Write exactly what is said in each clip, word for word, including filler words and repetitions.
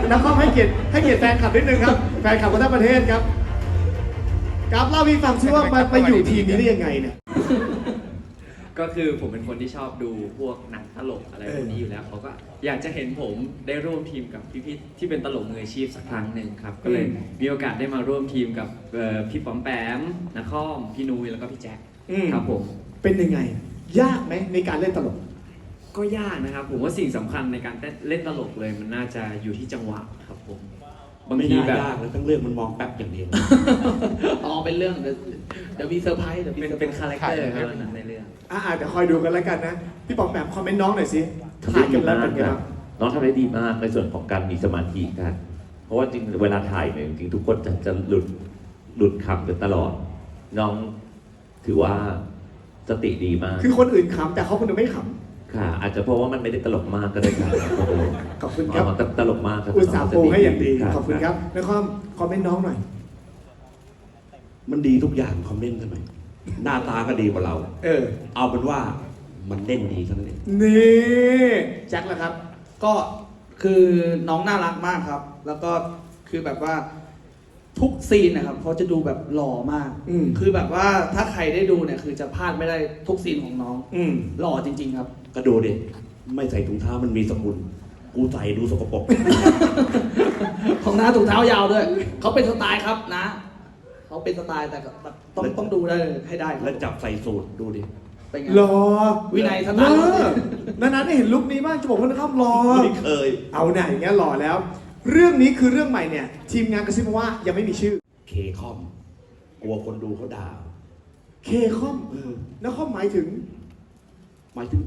นักข้อมให้เกียรติให้เกียรติแฟนคลับนิดนึงครับแฟนคลับคนทั้งประเทศครับกราฟเล่าพี่ฟังซิว่ามาไปอยู่ทีมนี้ได้ยังไงเนี่ยก็คือผมเป็นคนที่ชอบดูพวกหนังตลกอะไรพวกนี้อยู่แล้วเขาก็อยากจะเห็นผมได้ร่วมทีมกับพี่ๆที่เป็นตลกมืออาชีพสักครั้งหนึ่งครับก็เลยมีโอกาสได้มาร่วมทีมกับพี่ป๋อมแปมนักข้อมพี่นุ้ยแล้วก็พี่แจ็คครับผมเป็นยังไงยากไหมในการเล่นตลกก็ยากนะครับผมว่าสิ่งสำคัญในการเล่นตลกเลยมันน่าจะอยู่ที่จังหวะครับผมบางทีแบบยากแล้วต้องเรื่องมันมองแป๊บอย่างเดียวอ๋อเป็นเรื่องเดี๋ยวมีเซอร์ไพรส์เดี๋ยวเป็นเป็นคาแรคเตอร์ครับในเรื่องอ่าเดี๋ยวคอยดูกันแล้วกันนะพี่ป๋อมแปมคอมเมนต์น้องหน่อยสิถ่ายกันแล้วเป็นไงบ้างน้องทำได้ดีมากในส่วนของการมีสมาธิกันเพราะว่าจริงเวลาถ่ายเนี่ยจริงทุกคนจะจะหลุดหลุดคำกันตลอดน้องถือว่าสติดีมากคือคนอื่นขำแต่เขาคนเดียวไม่ขำค่ะอาจจะเพราะว่ามันไม่ได้ตลกมากก็ได้ครับขอบคุณครับตลกมากครับอุตส่าห์ปูให้อย่างดีขอบคุณครับแล้วก็คอมเมนต์น้องหน่อยมันดีทุกอย่างคอมเมนต์ทำไมหน้าตาก็ดีกว่าเราเออเอาเป็นว่ามันเล่นดีเท่านั้นเองนี่แจ็คล่ะครับก็คือน้องน่ารักมากครับแล้วก็คือแบบว่าทุกซีนนะครับเขาจะดูแบบหล่อมากคือแบบว่าถ้าใครได้ดูเนี่ยคือจะพลาดไม่ได้ทุกซีนของน้องหล่อจริงๆครับก็ดูดิไม่ใส่ถุงเท้ามันมีสกุลกูใส่ดูสกปรกของน้าถุงเท้ายาวด้วยเขาเป็นสไตล์ครับนะเขาเป็นสไตล์แต่ต้องต้องดูได้ให้ได้แล้วจับใส่สูตรดูดิเป็นไงรอวินัยสไตล์นานๆได้เห็นลุคนี้บ้างจะบอกว่านะครับรอไม่เคยเอาไหนเงี้ยหล่อแล้วเรื่องนี้คือเรื่องใหม่เนี่ยทีมงานกระซิบมาว่ายังไม่มีชื่อเคคอมกลัวคนดูเขาด่าเคคอมแล้วคอมหมายถึงหมายถึง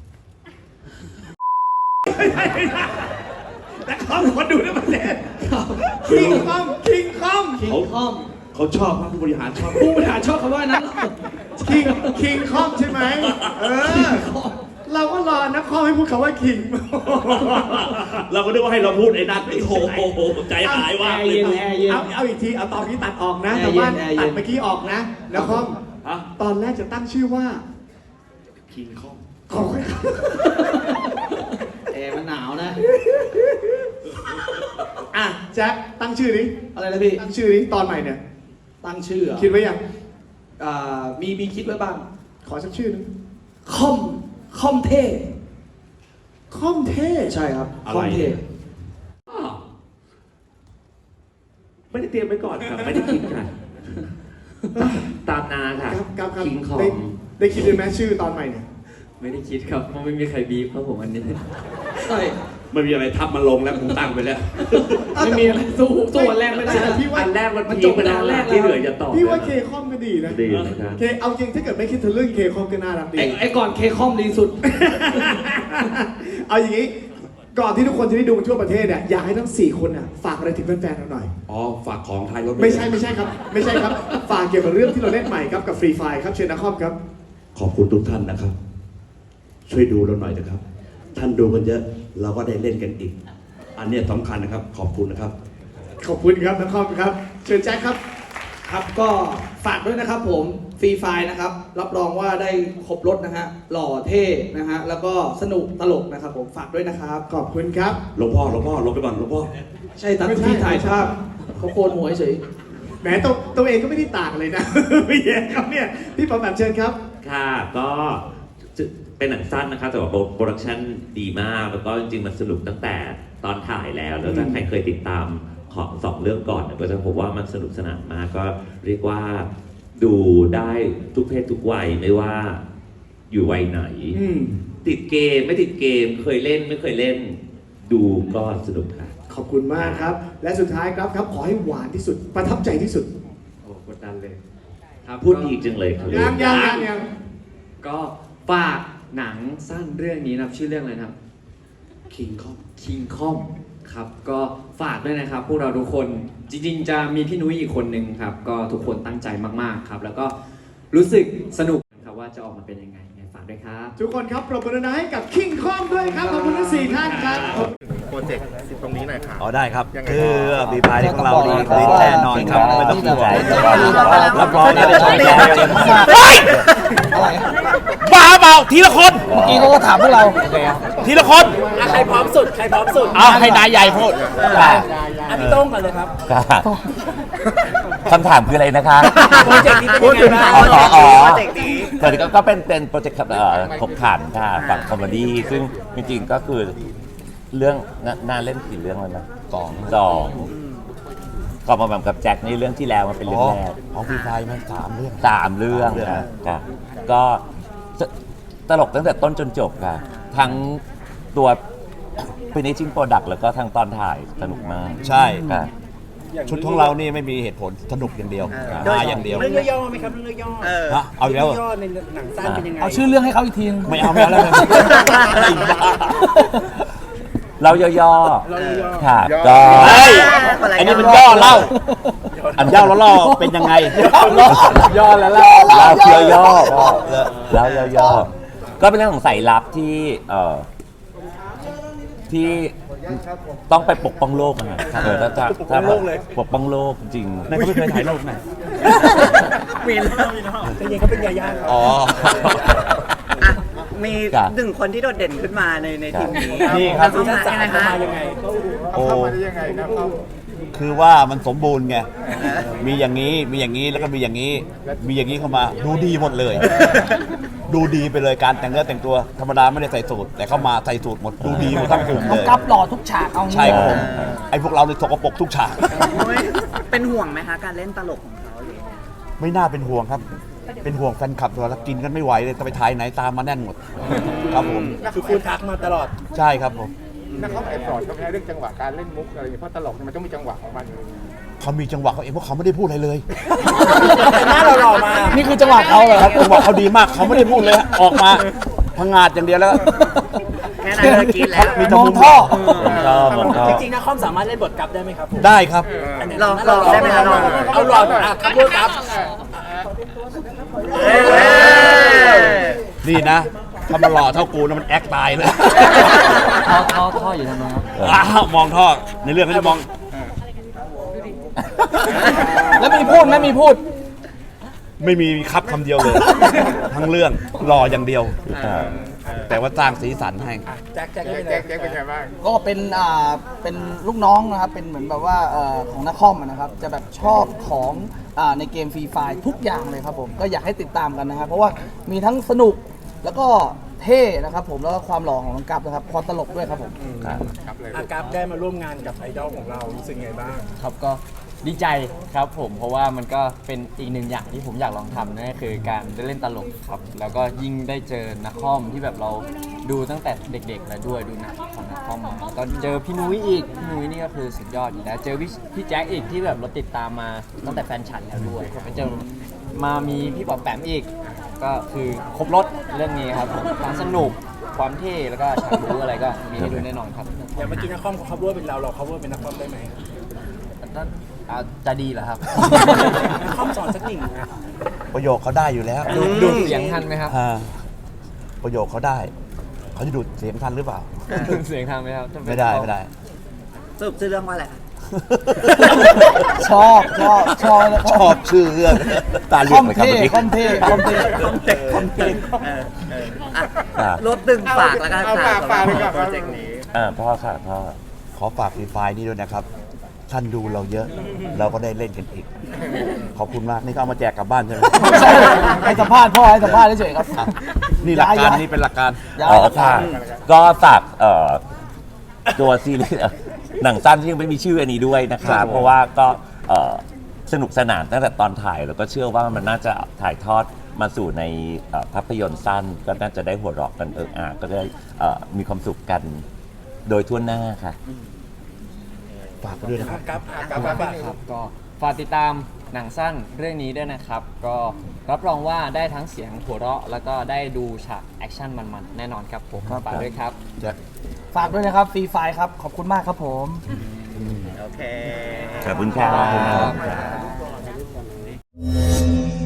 แต่คอมคนดูได้ประเด็นคิงคอมคิงคอมคิงคอมเขาชอบผู้บริหารชอบผู้บริหารชอบคำว่านั้นคิงคิงคอมใช่ไหมเออเราก็รอนักข้อให้พูดคำว่าคิงเราก็นึกว่าให้เราพูดไอ้นั่นไอ้โหใจหายว่าเลยเอาเอาอีกทีเอาตอนนี้ตัดออกนะแต่ว่าตัดเมื่อกี้ออกนะนักข้อมตอนแรกจะตั้งชื่อว่าคิงคอมขอแอร์มันหนาวนะอ่ะแจ็คตั้งชื่อนี้อะไรนะพี่ตั้งชื่อนี้ตอนใหม่เนี่ยตั้งชื่อคิดไว้ยังอ่ามีมีคิดไว้บ้างขอสักชื่อนึงคอมคอมเท่คอมเท่ใช่ครับคอมเท่ไม่ได้เตรียมไว้ก่อนครับไม่ได้คิดกันตามนาค่ะคิงคอมได้คิดด้วยไหมชื่อตอนใหม่เนี่ยไม่ได้คิดครับเพราะไม่มีใครบีบครับผมอันนี้ใช่ไม่มีอะไรทับมาลงแล้วผมตั้งไปแล้วไม่มีอะไรสู้ตัวแรกไม่ได้พี่ว่าอันแรกมันจบไปแล้วที่เหลือจะต่อพี่ว่าเคคอมก็ดีนะดีนะครับเคเอาจริงถ้าเกิดไม่คิดถึงเรื่องเคคอมก็น่ารักดีไอ้ก่อนเคคอมดีสุดเอาอย่างนี้ก่อนที่ทุกคนจะได้ดูทั่วประเทศเนี่ยอยากให้ทั้งสี่คนน่ะฝากอะไรถึงแฟนๆเราหน่อยอ๋อฝากของไทยรถไม่ใช่ไม่ใช่ครับไม่ใช่ครับฝากเกี่ยวกับเรื่องที่เราเล่นใหม่ครับกับฟรีไฟครับเชิญนักคอมครับขอบคุณทุกท่านนะครับช่วยดูเราหน่อยนะครับท่านดูกันเยอะเราก็ได้เล่นกันอีกอันนี้สำคัญนะครับขอบคุณนะครับขอบคุณครับนักคอมครับเชิญแจ็คครับครับก็ฝากด้วยนะครับผมฟรีไฟนะครับรับรองว่าได้ครบรถนะฮะหล่อเท่นะฮะแล้วก็สนุกตลกนะครับผมฝากด้วยนะครับขอบคุณครับหลวงพ่อหลวงพ่อลงไปก่อนหลวงพ่อใช่ตัดที่ถ่ายภาพเขาโกนหัวเฉยแหมตัวตัวเองก็ไม่ได้ต่างเลยนะไม่แย่ครับเนี่ยพี่ปอมแบบเชิญครับค่ะก็เป็นหนังสั้นนะครับแต่ว่าโปรดักชั่นดีมากแล้วก็จริงๆมันสนุกตั้งแต่ตอนถ่ายแล้วแล้วถ้าใครเคยติดตามของสองเรื่องก่อนก็จะพบว่ามันสนุกสนานมากก็เรียกว่าดูได้ทุกเพศทุกวัยไม่ว่าอยู่วัยไหนติดเกมไม่ติดเกมเคยเล่นไม่เคยเล่นดูก็สนุกค่ะขอบคุณมากครับและสุดท้ายครับครับขอให้หวานที่สุดประทับใจที่สุดโอ้กดดันเลยครับพูดดีจังเลยครับยังยังยังยังก็ฝากหนังสั้นเรื่องนี้นะครับชื่อเรื่องอะไรนะครับ King Kong King Kong ครับก็ฝากด้วยนะครับพวกเราทุกคนจริงๆจะมีพี่นุ้ยอีกคนนึงครับก็ทุกคนตั้งใจมากๆครับแล้วก็รู้สึกสนุกครับว่าจะออกมาเป็นยังไงฝากด้วยครับทุกคนครับปรบมือให้กับ King Kong ด้วยครับขอบคุณทั้งสี่ท่านครับโปรเจกต์ตรงนี้หน่อยครับอ๋อได้ครับคือบีพายของเราดีดีแน่นอนครับไม่ต้องห่วงรับรองจะได้ชมกันเจ๋งมากบ้าเปล่าทีละคนเมื่อกี้เขาก็ถามพวกเราทีละคนอ่ะใครพร้อมสุด ใครพร้อมสุดเอาให้นายใหญ่พูดอ่ะพี่โต้งก่อนเลยครับคำถามคืออะไรนะคะโปรเจกต์นี้เป็นยังไงบ้างอ๋ออ๋ออ๋อโปรเจกต์นี้ส่วนนี้ก็ก็เป็นเป็นโปรเจกต์เอ่อขบขันค่ะฝั่งคอมเมดี้ซึ่งจริงๆก็คือเรื่องน่าน่าเล่นกี่เรื่องแล้วนะสองสองก็มาแบบกับแจ็คนี่เรื่องที่แล้วมันเป็นเรื่องแรกของพี่ไฟมันสามเรื่องสามเรื่องสามเรื่องค่ะค่ะก็ตตลกตั้งแต่ต้นจนจบค่ะ ทั้งตัว finishing product แล้วก็ทั้งตอนถ่ายสนุกมากใช่ค่ะชุดของเรานี่ไม่มีเหตุผลสนุกอย่างเดียวมาอย่างเดียวเรื่องย่อๆไหมครับ เรื่องย่อๆเออฮะเอาอีกแล้วเหรอเรื่องย่อในหนังสั้นเป็นยังไงเอาชื่อเรื่องให้เขาอีกทีนึงไม่เอาไม่เอาแล้วเลยเราย่อเราย่อๆค่ะ ก็เฮ้ยอันนี้มันย่อเล่า อันย่อแล้วล่อเป็นยังไงย่อแล้วล่ะเราเคียวย่อเราย่อๆก็เป็นเรื่องของสายลับที่เอ่อที่ต้องไปปกป้องโลกนะเออถ้าถ้าถ้าแบบปกป้องโลกจริงนั่นก็ไม่เคยถ่ายรูปไหนมีแล้วจริงๆเขาเป็นยาย่าครับอ๋ออ่ะมีครับหนึ่งคนที่โดดเด่นขึ้นมาในในทีมนี้นี่ครับเขามายังไงคะยังไงโอ้คือว่ามันสมบูรณ์ไง มีอย่างนี้ มีอย่างนี้ แล้วก็มีอย่างนี้ มีอย่างนี้เข้ามา ดูดีหมดเลย ดูดีไปเลย การแต่งเนื้อแต่งตัว ธรรมดาไม่ได้ใส่สูทแต่เข้ามาใส่สูทหมด ดูดีหมดทั้งกลุ่มเลยกับหล่อทุกฉากเอางี้ใช่ครับผม ไอ้พวกเราเลยสกปรกทุกฉากโอ้ยเป็นห่วงไหมคะ การเล่นตลกของเขาหรือยังไงไม่น่าเป็นห่วงครับ เป็นห่วงแฟนคลับตัวแล้วกินกันไม่ไหวเลยจะไปถ่ายไหนตามมาแน่นหมด ครับผมคือคุณทักมาตลอดใช่ครับผมนักเขาแอบสอนเขาไหมเรื่องจังหวะการเล่นมุกอะไรอย่างเงี้ยเพราะตลกเนี่ยมันต้องมีจังหวะของมันเขามีจังหวะเขาเองเพราะเขาไม่ได้พูดอะไรเลยหน้าเราหล่อมานี่คือจังหวะเขาเหรอครับจังหวะเขาดีมากเขาไม่ได้พูดเลยฮะออกมาพังงาดอย่างเดียวแล้วแค่นั้นก็กินแล้วมีมองท่อชอบผมชอบจริงๆนะคอมสามารถเล่นบทกลับได้ไหมครับผมได้ครับลองลองได้ไหมคะลองเอาหลอดอ่ะครับพูดครับเอ้ยนี่นะถ้ามันหล่อเท่ากูนะมันแอคตายเลยท่อท่อท่ออยู่ทำไมครับอ้าวมองท่อในเรื่องเขาจะมองแล้วมีพูดไหมมีพูดไม่มีครับคำเดียวเลย ทั้งเรื่องหล่ออย่างเดียว แต่ว่าสร้างสีสันให้แจ็คแจ็คแจ็เป็นคแจ็คเป็นไงบ้างก็เป็นอ่าเป็นลูกน้องนะครับ เป็นเหมือนแบบว่าเอ่อของนักคอมอะนะครับ จะแบบชอบของอ่าในเกมฟรีไฟทุกอย่างเลยครับผม ก็อยากให้ติดตามกันนะครับ เพราะว่ามีทั้งสนุกแล้วก็เท่นะครับผมแล้วก็ความหล่อของน้องกัปนะครับความตลกด้วยครับผมอากราฟได้มาร่วมงานกับไอดอลของเรารู้สึกไงบ้างครับก็ดีใจครับผมเพราะว่ามันก็เป็นอีกหนึ่งอย่างที่ผมอยากลองทำนั่นก็คือการได้เล่นตลกครับ แล้วก็ยิ่งได้เจอนักคอมที่แบบเราดูตั้งแต่เด็กๆแล้วด้วยดูหนังของนักคอมมาตอนเจอพี่นุ้ยอีกพี่นุ้ยนี่ก็คือสุดยอดอยู่แล้วเจอพี่พี่แจ็คอีกที่แบบเราติดตามมาตั้งแต่แฟนฉันแล้วด้วยไปเจอมามีพี่ปอบแปมอีก ก็คือครบรถเรื่องนี้ครับผมความสนุกความเท่แล้วก็ฉากรู้อะไรก็มีให้ดูแน่นอนครับอย่างเมื่อกี้นักคอมเขา cover เป็นเราเรา cover เป็นนักคอมได้ไหมอ่าจะดีเหรอครับนักคอมสอนสักหนึ่งนะประโยคเขาได้อยู่แล้วดูดูเสียงทันไหมครับอ่าประโยคเขาได้ เขาจะดูดเสียงทันหรือเปล่าเสียงทันไหมครับถ้าเป็นไม่ได้ไม่ได้สรุปชื่อเรื่องว่าอะไรคะชอบชอบชอบชอบชื่อเรื่องตาเหลืคออก มเลยครับเท่เมื่อกี้คอมเท่คอมเท่คอมเต็กคอมเต็กเออเอออ่ะรถดึงฝากแล้วกันเอาค่ะฝากสำหรับฝากเลยครับโปรเจกต์นี้อ่าพ่อค่ะพ่อขอฝากฟรีไฟล์นี้ด้วยนะครับ ท่านดูเราเยอะ เราก็ได้เล่นกันอีก ขอบคุณมาก นี่ก็เอามาแจกกลับบ้านใช่ไหมให้สัมภาษณ์พ่อให้สัมภาษณ์เฉยๆครับนี่หลักการย้ายนี่เป็นหลักการย้ายอ๋อค่ะ ก็ฝากเอ่อตัวซีรีส์เอ่อหนังสั้นที่ยังไม่มีชื่ออันนี้ด้วยนะครัคะบผมเพราะว่าก็เอ่อสนุกสนานตั้งแต่ตอนถ่าย แล้วก็เชื่อว่ามันน่าจะถ่ายทอดมาสู่ในเอ่อภาพยนตร์สั้น ก็น่าจะได้หัวเราะกันเอิกอาก็ได้เอ่อมีความสุขกันโดยทั่วหน้าค่ะฝากไปด้วยนะครับกราฟอ่ะกราฟคฝากรับก็ฝากติดตามหนังสั้นเรื่องนี้ด้วยนะครับ ก็รับรองว่าได้ทั้งเสียงหัวเราะ แล้วก็ได้ดูฉากแอคชั่นมันๆ แน่นอนครับผมฝากด้วยครับฝากด้วยนะครับฟรีไฟครับ ขอบคุณมากครับผมโอเคขอบคุณครับครับ